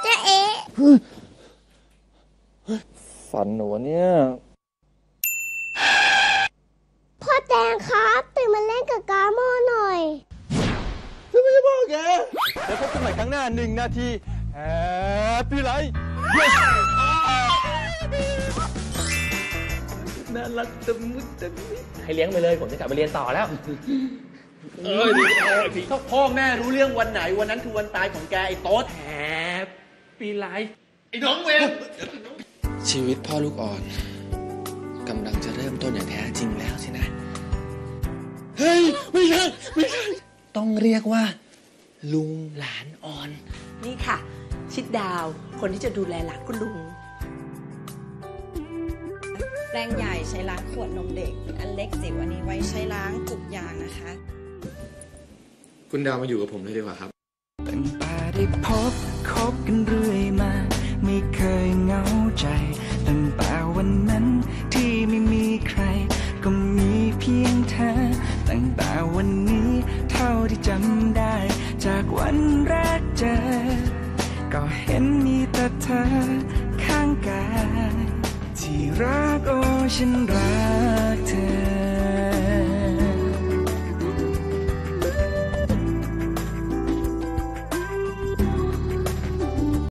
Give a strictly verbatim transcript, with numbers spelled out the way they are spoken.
จ๊เอ๊ะฝันหนูเนี่ยพ่อแตงครับตื่นมาเล่นกับกาโมหน่อยจะไม่ใช่พ่อแกแล้วพบกันใหม่ครั้งหน้าหนึ่งนาทีแฮปปี้ไลฟ์น่ารักตะมุตะมิให้เลี้ยงไปเลยผมจะกลับไปเรียนต่อแล้วเอ้ยถ้าพ่อแม่รู้เรื่องวันไหนวันนั้นคือวันตายของแกไอ้โต๊ดแฮปปี้ไลฟ์ไอ้น้องเวรชีวิตพ่อลูกอ่อนกำลังจะเริ่มต้นอย่างแท้จริงแล้วสินะเฮ้ยไม่ใช่ไม่ใช่ต้องเรียกว่าลุงหลานอ่อนนี่ค่ะชิดดาวคนที่จะดูแลหลานคุณลุงแปรงใหญ่ใช้ล้างขวดนมเด็กอันเล็กจิ๋วอันนี้ไว้ใช้ล้างจุกยางนะคะคุณดาวมาอยู่กับผมเลยดีกว่าครับตั้งแต่ได้พบคบกันเรื่อยมาไม่เคยเหงาใจตั้งแต่วันนั้นที่ไม่มีใครก็มีเพียงเธอตั้งแต่วันนี้เท่าที่จำได้จากวันแรกเจอก็เห็นมีแต่เธอข้างกายที่รักโอ้ฉันรัก